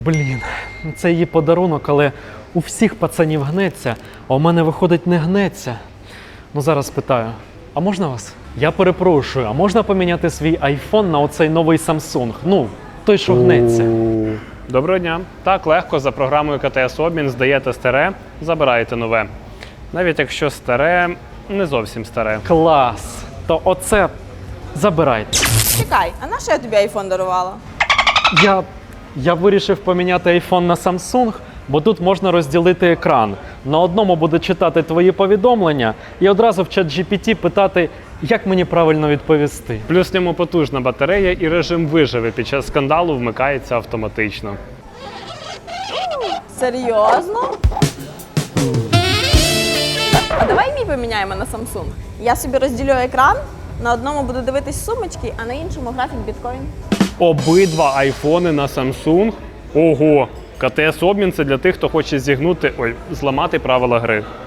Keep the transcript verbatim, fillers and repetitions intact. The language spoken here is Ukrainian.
Блін, це її подарунок, але у всіх пацанів гнеться, а у мене виходить не гнеться. Ну зараз питаю, а можна вас? Я перепрошую, а можна поміняти свій айфон на оцей новий Samsung? Ну, той, що гнеться. Доброго дня. Так, легко, за програмою ка те ес обмін здаєте старе, забираєте нове. Навіть якщо старе, не зовсім старе. Клас! То оце забирайте. Чекай, а на що я тобі айфон дарувала? Я, я вирішив поміняти айфон на Samsung, бо тут можна розділити екран. На одному буде читати твої повідомлення і одразу в чат джі пі ті питати, як мені правильно відповісти. Плюс в ньому потужна батарея і режим виживи під час скандалу вмикається автоматично. Серйозно? А давай мій поміняємо на Samsung. Я собі розділю екран, на одному буду дивитись сумочки, а на іншому графік біткоін. Обидва айфони на Samsung? Ого! ка те ес обмін – це для тих, хто хоче зігнути, ой, зламати правила гри.